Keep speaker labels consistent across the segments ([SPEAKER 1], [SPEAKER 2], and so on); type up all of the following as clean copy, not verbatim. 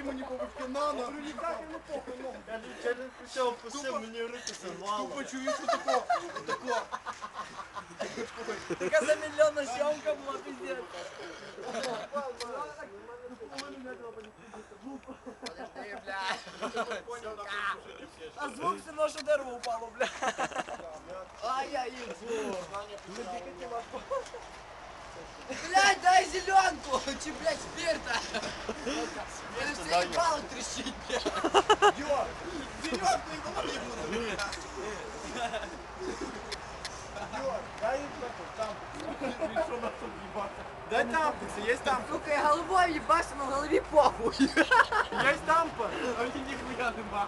[SPEAKER 1] йому ні по башки, на.
[SPEAKER 2] Ніяк йому похуй, ну.
[SPEAKER 3] Кажу, через плечо опустив, мені в руки сорвало.
[SPEAKER 1] Тупо чуєш, що тако.
[SPEAKER 2] Така замільйонна сьомка була, пиздец. Подожди, бля. А звук все одно, що дерево упало, бля. Ай-яй-яй. Блядь, дай зеленку! Чи, блядь, спирта? Или все ебало трещит, блядь.
[SPEAKER 1] Йо, зеленку і голові буду. Йо, дай їм там. Що на тут їбати? Дай тампекси, є тампекси.
[SPEAKER 2] Сука, я головой ебашь, но в голове похуй.
[SPEAKER 1] Є тампа, а мені ніхуя нема.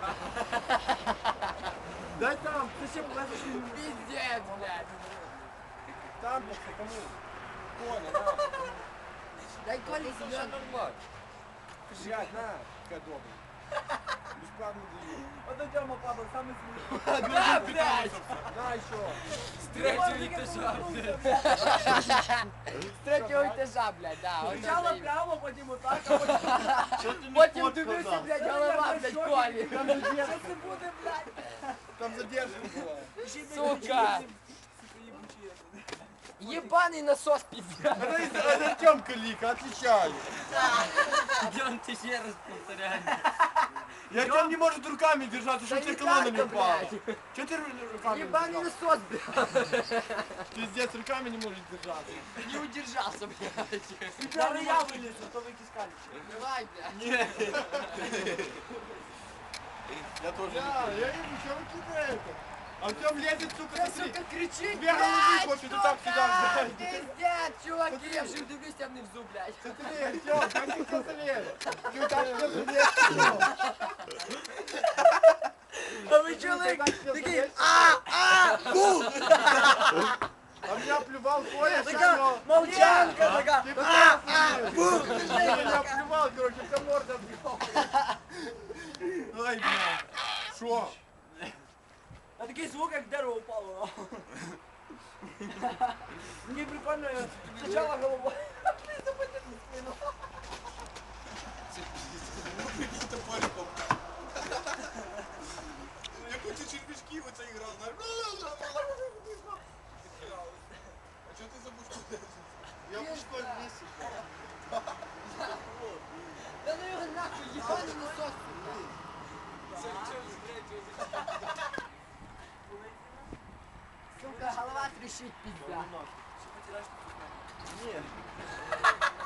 [SPEAKER 1] Дай тамп, ти ще платиш мені.
[SPEAKER 2] Пиздец, блядь.
[SPEAKER 1] Тампекси, кому? Коля, на.
[SPEAKER 2] Дай Коле зеленку.
[SPEAKER 1] Блядь, на, така добра. Бесплатно даю.
[SPEAKER 2] Вот Тёма падал, самый смешной. Да, блядь!
[SPEAKER 1] На, еще.
[SPEAKER 2] С третьего этажа, блядь. С третьего этажа, блядь, да. Сначала прямо, потом вот так, а потом дивлюся, блядь, голова, блядь, Коли. Сейчас ты буду, блядь.
[SPEAKER 1] Там задержка была.
[SPEAKER 2] Сука! Ебаный насос, пиздец.
[SPEAKER 1] Это Артемка Лика, отвечаю.
[SPEAKER 3] Идем ты еще раз повторяй.
[SPEAKER 1] И Артем не может руками держаться, чтобы
[SPEAKER 2] Да
[SPEAKER 1] тебе
[SPEAKER 2] не
[SPEAKER 1] колонна не
[SPEAKER 2] так-то,
[SPEAKER 1] упала.
[SPEAKER 2] блядь.
[SPEAKER 1] Че ты руками
[SPEAKER 2] Ебаный
[SPEAKER 1] держался?
[SPEAKER 2] насос, блядь.
[SPEAKER 1] Пиздец, руками не может держаться.
[SPEAKER 2] Не удержался, блядь.
[SPEAKER 4] Даже я вылез, а то вы кискали.
[SPEAKER 2] Давай, блядь.
[SPEAKER 1] Нет. Я тоже. Я вижу, что вы кидаете. Артем лезет, сука,
[SPEAKER 2] Да,
[SPEAKER 1] смотри.
[SPEAKER 2] сука, кричит,
[SPEAKER 1] Две головы
[SPEAKER 2] блядь,
[SPEAKER 1] хочет, и
[SPEAKER 2] сука!
[SPEAKER 1] так сюда взять.
[SPEAKER 2] Пиздец, чуваки, я же дивлюсь тебе внизу, блядь.
[SPEAKER 1] Смотри, Артем, как ты кто залез? Ты так все залез.
[SPEAKER 2] А вы чё, такие, бу!
[SPEAKER 1] А меня плювал Коля,
[SPEAKER 2] Такая
[SPEAKER 1] всё.
[SPEAKER 2] молчанка, такая,
[SPEAKER 1] Ты пытался
[SPEAKER 2] бу!
[SPEAKER 1] меня плювал, короче, вся морда бьёт. Ай, бля. Шо?
[SPEAKER 4] А такий звук, як дерево упало. Мені прикольно, я спочатку головою.
[SPEAKER 1] Я хочу червячки в это играл. А что ты забыл? Я в школе вместе.
[SPEAKER 2] Да ну его нахуй, ебаный насос. Сука, голова трещит, пизда.
[SPEAKER 1] Нет.